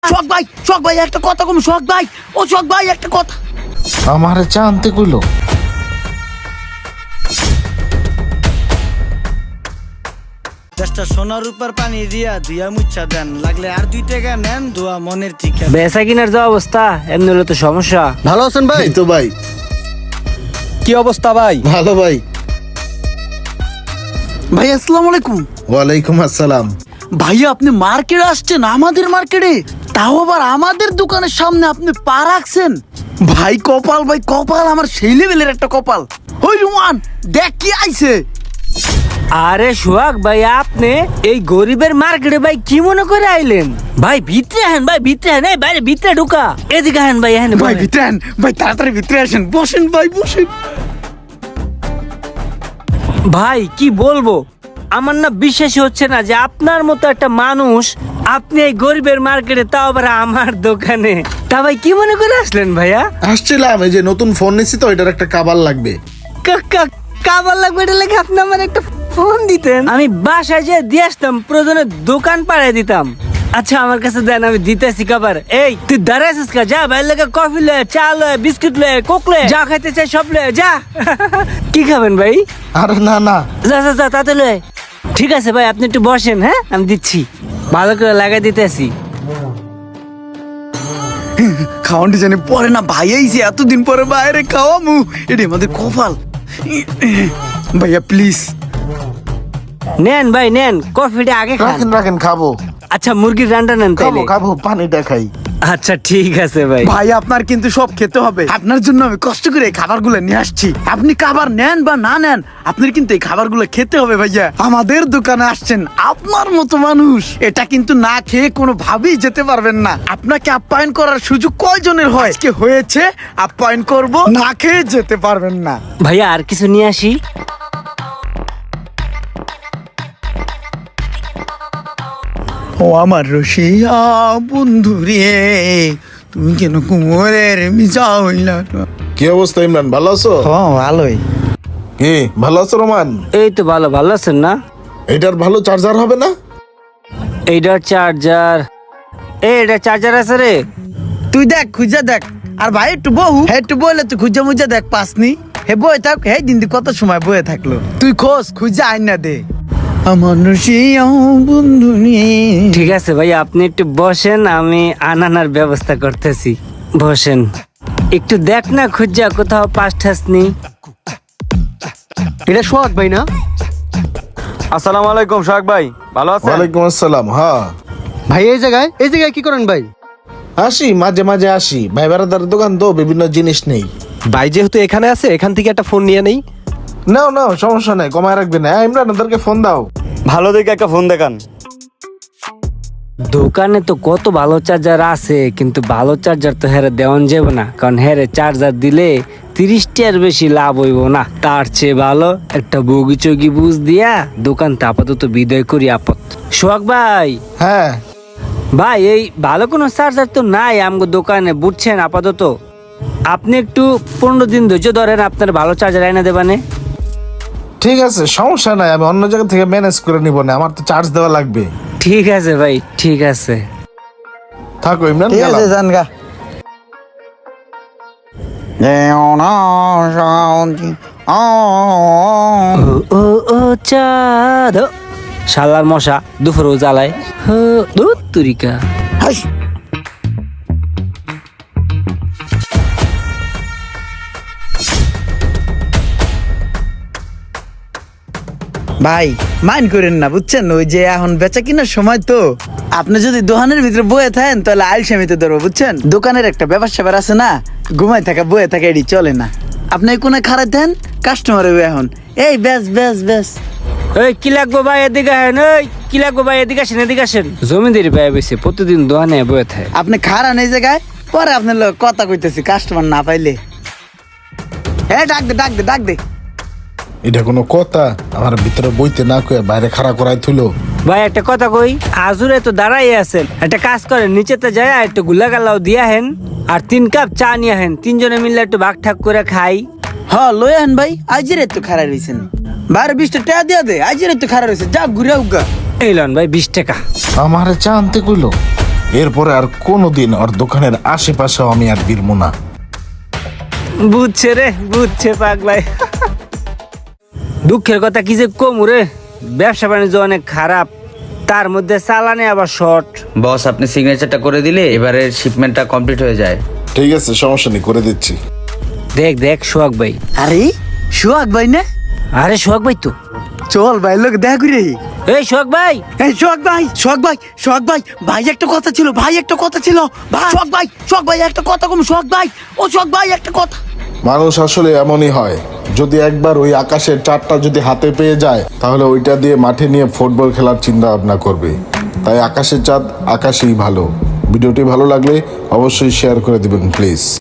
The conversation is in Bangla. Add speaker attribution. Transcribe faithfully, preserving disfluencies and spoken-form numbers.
Speaker 1: শখ ভাই, শখ ভাই একটা কথা কম, শখ ভাই, ও শখ ভাই একটা কথা।
Speaker 2: আমারে চা আনতে কইলো।
Speaker 1: দশটা সোনার উপর পানি দিয়া দিয়া মুচ্ছা দেন, লাগলে আর দুই টাকা নেন, দোয়া মনের ঠিকা।
Speaker 3: বেচা কিনার যা অবস্থা, এমনি হলে তো সমস্যা।
Speaker 4: ভালো আছেন ভাই?
Speaker 2: এই তো ভাই
Speaker 4: কি অবস্থা ভাই?
Speaker 2: ভালো ভাই।
Speaker 1: ভাই আসসালামু আলাইকুম।
Speaker 2: ওয়ালাইকুম আসসালাম।
Speaker 1: ভাইয়া আপনি মার্কেটে আসছেন, আমাদের মার্কেটে, তাও আবার আমাদের দোকানের সামনে আপনি পা রাখছেন। ভাই কপাল, ভাই কপাল, আমার সেই লেভেলের একটা কপাল। ওই রুমান দেখ কি আইছে।
Speaker 3: আরে সোহাগ ভাই, আপনি এই গরিবের মার্কেটে ভাই কি মনে করে আইলেন? ভাই ভিতরে আহেন, ভাই ভিতরে আহেন, এই বাইরে ভিতরে ঢুকা, এদিকে আহেন ভাই, আহেন
Speaker 1: ভাই ভিতরে আন, ভাই তাড়াতাড়ি ভিতরে আসেন, বসেন ভাই বসেন।
Speaker 3: ভাই কি বলবো, আমার না বিশ্বাসই হচ্ছে না যে আপনার মতো একটা মানুষ, আপনি এই গরিবের মার্কেটে, তাও আবার আমার দোকানে। তা ভাই কি মনে করে আসলেন ভাইয়া?
Speaker 2: আসছিলাম, এই যে নতুন ফোন নিছি তো, এটার একটা কাবার লাগবে।
Speaker 3: কা- কা- কাবার লাগবে, এটা লেগে আপনি আমার একটা ফোন দিতেন, আমি বাসায় যে দিয়ে আসতাম, প্রয়োজনে দোকান পাড়ায় দিতাম। আচ্ছা আমার কাছে দেন, আমি দিতেছি কাবার। এই তুই দাঁড়াইছিস কা, যা ভাই লেগে কফি লয়ে, চা লয়ে, বিস্কুট লয়ে, কোক লয়ে, যা খাইতে চাই সব লয়ে যা। কি খাবেন ভাই?
Speaker 2: আরে না না,
Speaker 3: যা যা যা তাতে লয়ে। ঠিক আছে ভাই, আপনি একটু বসেন, হ্যাঁ আমি দিচ্ছি, ভালো করে লাগাই দিতেছি।
Speaker 1: খাওয়ানটি জানি পরে না, ভাই আইছে এতদিন পরে বাইরে খাওয়ামু, এটা আমাদের কপাল। ভাইয়া প্লিজ।
Speaker 3: নেন ভাই নেন, কফিটা আগে খান।
Speaker 2: রাখেন রাখেন, খাবো
Speaker 3: আচ্ছা মুরগির রান্না নেন
Speaker 2: খাবো
Speaker 3: তাইলে।
Speaker 2: খাবো, পানিটা খাই।
Speaker 3: আচ্ছা ঠিক আছে ভাই।
Speaker 1: ভাই আপনার কিন্তু সব খেতে হবে, আপনার জন্য আমি কষ্ট করে এই খাবারগুলো নিয়ে আসছি। আপনি খাবার নেন বা না নেন, আপনার কিন্তু এই খাবারগুলো খেতে হবে ভাইয়া। আমাদের দোকানে আসছেন আপনার মতো মানুষ, এটা কিন্তু না খেয়ে কোনো ভাবেই যেতে পারবেন না। আপনাকে আপ্যায়ন করার সুযোগ কয়জনের হয়? আজকে হয়েছে, আপ্যায়ন করব, না খেয়ে যেতে পারবেন না।
Speaker 3: ভাইয়া আর কিছু নিয়ে আসি।
Speaker 1: ও আমার রসিয়া বন্ধু রে, তুমি কেন কুমোরের মিজা হইলা?
Speaker 2: কি অবস্থা ইমরান, ভালো আছো?
Speaker 1: হ্যাঁ ভালোই।
Speaker 2: কি ভালো আছো রোমান?
Speaker 3: এই তো ভালো, ভালো আছেন না?
Speaker 2: এটার ভালো চার্জার হবে না?
Speaker 3: এইটার চার্জার, এই এটা চার্জার আছে রে।
Speaker 1: তুই দেখ খুঁজা দেখ, আর ভাই একটু বহু, হে একটু বলে তুই খুঁজা মুজা দেখ পাসনি। হে বয়ে থাক, হে দিন কত সময় বয়ে থাকলো, তুই খোঁজ খুঁজা আইন না দে আমার রসিয়া বন্ধু নিয়ে।
Speaker 3: ঠিক আছে ভাই, আপনি একটু বসেন, আমি আনানার ব্যবস্থা করতেছি। বসেন, একটু দেখ না খুঁজা কোথাও পাস ঠাস নেই।
Speaker 4: এটা সোহাগ ভাই না? আসসালামু আলাইকুম সোহাগ ভাই, ভালো আছেন?
Speaker 2: ওয়ালাইকুম আসসালাম। হ্যাঁ
Speaker 4: ভাই এই জায়গায় এই জায়গায় কি করেন ভাই?
Speaker 2: আসি, মাঝে মাঝে আসি, ভাই বেড়াদার দোকান তো, বিভিন্ন জিনিস নেই।
Speaker 4: ভাই যেহেতু এখানে আছে, এখান থেকে একটা ফোন নিয়ে নেই।
Speaker 2: নাও নাও, সমস্যা নাই, কমায় রাখবে না। হ্যাঁ, ইমরান ওদেরকে ফোন দাও।
Speaker 5: ভালো দেখে একটা ফোন দেখান।
Speaker 3: দোকানে তো কত ভালো চার্জার আছে, কিন্তু ভালো চার্জার তো হেরে দেওয়ান যাবে না, কারণ হেরে চার্জার দিলে তিরিশটার বেশি লাভ হইব না। তার চেয়ে ভালো একটা বগি চগি বুঝ দিয়া দোকানটা আপাতত বিদায় করি আপত। সোহাগ ভাই,
Speaker 2: হ্যাঁ
Speaker 3: ভাই এই ভালো কোনো চার্জার তো নাই আমগো দোকানে, বুঝছেন? আপাতত আপনি একটু পনেরো দিন ধৈর্য ধরেন, আপনার ভালো চার্জার এনে দেবানে।
Speaker 2: ঠিক আছে, সমস্যা নাই, আমি অন্য জায়গা থেকে ম্যানেজ করে নিব না, আমার তো চার্জ দেওয়া লাগবে।
Speaker 3: ঠিক আছে ভাই, ঠিক আছে।
Speaker 2: থাকো ইমরান,
Speaker 1: ঠিক
Speaker 2: গেলাম।
Speaker 1: আছে জান গা।
Speaker 3: ও ও ও চাঁদ, ও, শালার মশা দুপুরও জ্বালায়। হো, ধুৎ তুরিকা।
Speaker 1: হাস। ভাই মাইন্ড করেন না, বুঝছেন? ওই যে এখন বেচা কিনার সময় তো, আপনি যদি দোকানের ভিতরে বয়ে থাকেন তাহলে আলসেমিতে ধরবো, বুঝছেন? দোকানের একটা ব্যাপার স্যাপার আছে না, ঘুমাই থাকা বয়ে থাকা এটি চলে না। আপনি কোনে খারাপ দেন, কাস্টমার হবে এখন, এই ব্যাস ব্যাস ব্যাস।
Speaker 3: এই কি লাগবো ভাই, এদিকে আসেন। এই কি লাগবো ভাই, এদিকে আসেন, এদিকে আসেন। জমিদারি ভাই বেশি প্রতিদিন দোকানে বয়ে থাকে।
Speaker 1: আপনি খারাপ এই জায়গায়, পরে আপনার লোক কথা কইতেছি, কাস্টমার না পাইলে। হ্যাঁ ডাক দে ডাক দে ডাক দে।
Speaker 2: এটা কোনো কথা? আমার ভিতরে বইতে না কয়ে বাইরে খাড়া করাই তুলো।
Speaker 3: ভাই একটা কথা কই, আজুরে তো দাঁড়াই আছেন, একটা কাজ করেন, নিচেতে যায় একটু গুলা গালাও দিয়া হেন, আর তিন কাপ চা নিয়ে হেন, তিনজনে মিলে একটু ভাগ ঠাক করে খাই।
Speaker 1: হ্যাঁ লই আন ভাই, আজের একটু খারাপ রয়েছেন, বারো বিশটা টাকা দিয়া দে, আজের একটু খারাপ রয়েছে, যা ঘুরে উগা।
Speaker 3: এই লন ভাই বিশ টাকা।
Speaker 2: আমারে চা আনতে কইলো। এরপরে আর কোনোদিন ওর দোকানের আশেপাশেও আমি আর বিরমু না।
Speaker 3: বুঝছে রে বুঝছে পাগলাই। দুঃখের কথা কি যে কমু রে, ব্যবসা বাণিজ্য অনেক খারাপ, তার মধ্যে চালানে আবার শর্ট।
Speaker 6: বস আপনি সিগনেচারটা করে দিলে এবারের শিপমেন্টটা কমপ্লিট হয়ে যায়।
Speaker 2: ঠিক আছে, সমস্যা নেই, করে দিচ্ছি।
Speaker 3: দেখ দেখ সোহাগ ভাই।
Speaker 1: আরে সোহাগ ভাই না?
Speaker 3: আরে সোহাগ ভাই তো।
Speaker 1: চল ভাই লোক দেখা করে।
Speaker 3: এই সোহাগ ভাই,
Speaker 1: এই সোহাগ ভাই, সোহাগ ভাই, সোহাগ ভাই, ভাই একটা কথা ছিল, ভাই একটা কথা ছিল, ভাই সোহাগ ভাই, সোহাগ ভাই একটা কথা কম, সোহাগ ভাই, ও সোহাগ ভাই একটা কথা।
Speaker 2: মানুষ আসলে এমনই হয়, যদি একবার ওই আকাশের চারটা যদি হাতে পেয়ে যায় তাহলে ওইটা দিয়ে মাঠে নিয়ে ফুটবল খেলার চিন্তা ভাবনা করবে। তাই আকাশের চাঁদ আকাশেই ভালো। ভিডিওটি ভালো লাগলে অবশ্যই শেয়ার করে দিবেন প্লিজ।